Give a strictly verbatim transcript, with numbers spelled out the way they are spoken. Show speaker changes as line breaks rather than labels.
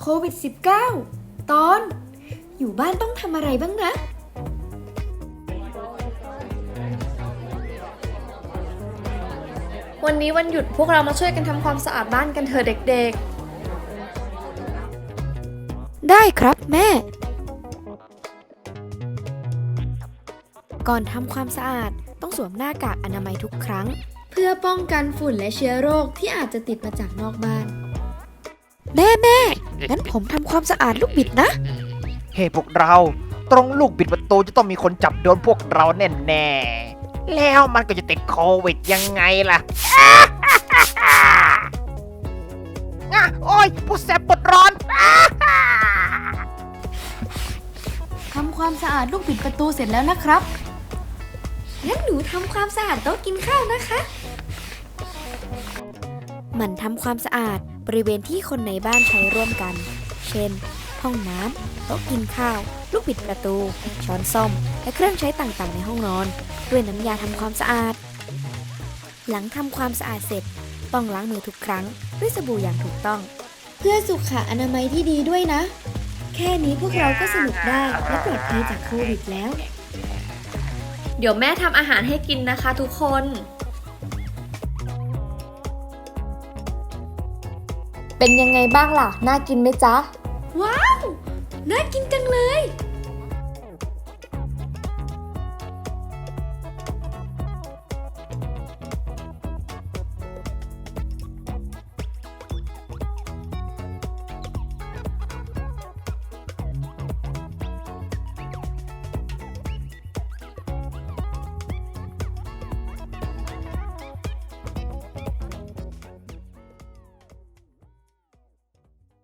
วิด สิบเก้า ตอนอยู่บ้านต้องทำอะไรบ้างนะวันนี้วันหยุดพวกเรามาช่วยกันทำความสะอาดบ้านกันเถอะเด็กๆได้ครับแม่ก่อนทำความสะอาดต้องสวมหน้ากากอนามัยทุกครั้งเพื่อป้องกันฝุ่นและเชื้อโรคที่อาจจะติดมาจากนอกบ้านแม่แม่งั้นผมทำความสะอาดลูกบิดนะ
เฮ้ hey, พวกเราตรงลูกบิดประตูจะต้องมีคนจับโดนพวกเราแน่แน่แล้วมันก็จะติดโควิดยังไงล่ะ อ่ะโอ้ยผู้แสบปวดร้อน
ทำความสะอาดลูกบิดประตูเสร็จแล้วนะครับงั้นหนูทำความสะอาดโต๊ะกินข้าวนะคะหมั่นทำความสะอาดบริเวณที่คนในบ้านใช้ร่วมกันเช่นห้องน้ำโต๊ะกินข้าวลูกบิดประตูช้อนส้อมและเครื่องใช้ต่างๆในห้องนอนด้วยน้ำยาทำความสะอาดหลังทำความสะอาดเสร็จต้องล้างมือทุกครั้งด้วยสบู่อย่างถูกต้องเพื่อสุขอนามัยที่ดีด้วยนะแค่นี้พวกเราก็สนุกได้และปลอดภัยจากโควิดแล้วเดี๋ยวแม่ทำอาหารให้กินนะคะทุกคนเป็นยังไงบ้างล่ะน่ากินไหมจ๊ะว้าวน่ากินจังเลย